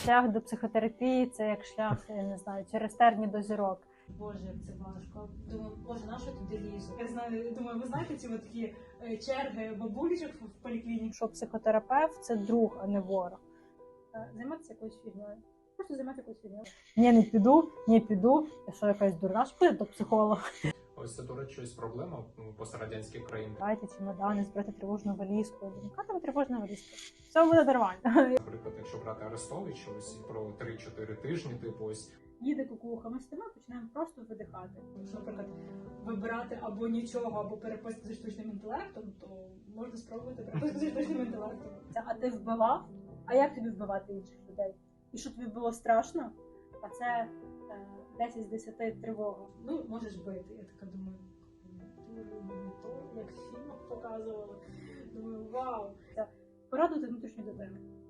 шлях до психотерапії, це як шлях, я не знаю, через терні до зірок. Боже, як це важко. Думаю, боже, на що туди лізу? Я знаю, думаю, ви знаєте ці от такі черги бабулечок в поліклініці? Що психотерапевт – це друг, а не ворог. Займатися якоюсь фігньою. Просто займатися якоюсь фігньою. Ні, не піду. Я що, якась дурна, що піду до психолога? Ось це, до речі, щось проблема пострадянських країн. Дайте чемодани, збирати тривожну валізку. Яка там тривожна валізка? Все буде нормально. Наприклад, якщо брати Арестовича, ось про 3-4 тижні, типу ось. Їде кукуха, ми стоїмо, починаємо просто видихати. Якщо, наприклад, вибирати або нічого, або переписку зі штучним інтелектом, то можна спробувати переписку зі штучним інтелектом. А ти вбивав? А як тобі вбивати інших людей? І що тобі було страшно? А це 10 з 10 тривога. Ну, можеш бити. Я така думаю, не то, як в фільмах показували. Думаю, вау. Порадувати внутрішню дитину.